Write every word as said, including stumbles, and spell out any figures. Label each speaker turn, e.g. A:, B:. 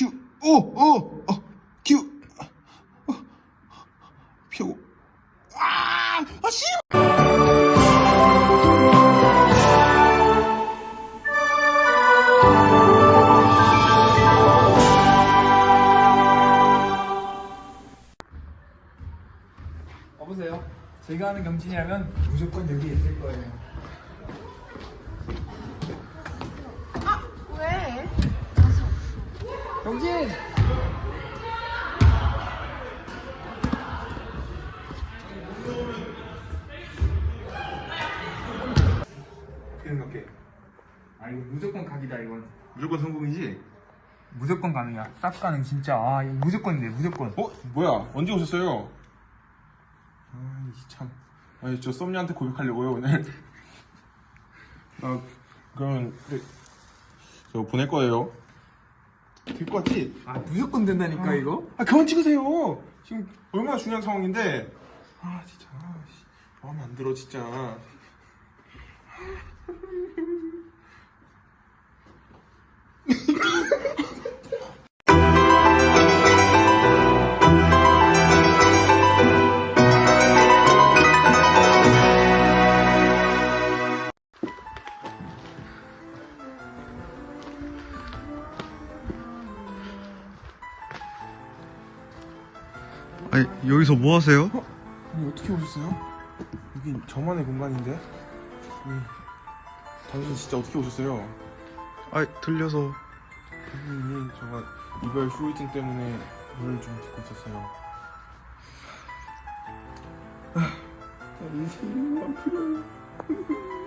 A: 큐, 오, 오, 어, 큐, 어, 펴고, 아, 아, 씨!
B: 여보세요? 제가 하는 경진이라면 무조건 여기 있을 거예요.
C: 아, 왜?
B: 경진!
A: 어떻게 생각해?
B: 아 이거 무조건 각이다 이건.
A: 무조건 성공이지?
B: 무조건 가능이야. 쌉 가능 진짜. 아 이거 무조건인데 무조건.
A: 어? 뭐야? 언제 오셨어요? 아이 참. 아니 저 썸녀한테 고백하려고요 오늘. 아 그러면 네, 저 보낼 거예요. 될 거 같지?
B: 아 무조건 된다니까
A: 아,
B: 이거?
A: 아 그만 찍으세요. 지금 얼마나 중요한 상황인데. 아 진짜 아, 씨, 마음에 안 들어 진짜.
D: 아니 여기서 뭐 하세요?
A: 아니 어떻게 오셨어요? 여기 저만의 공간인데. 아니, 당신 진짜 어떻게 오셨어요?
D: 아 들려서.
A: 아니 제가 이별 후유증 때문에 물을 좀 딛고 있었어요. 아, 인생이 너무 아프요.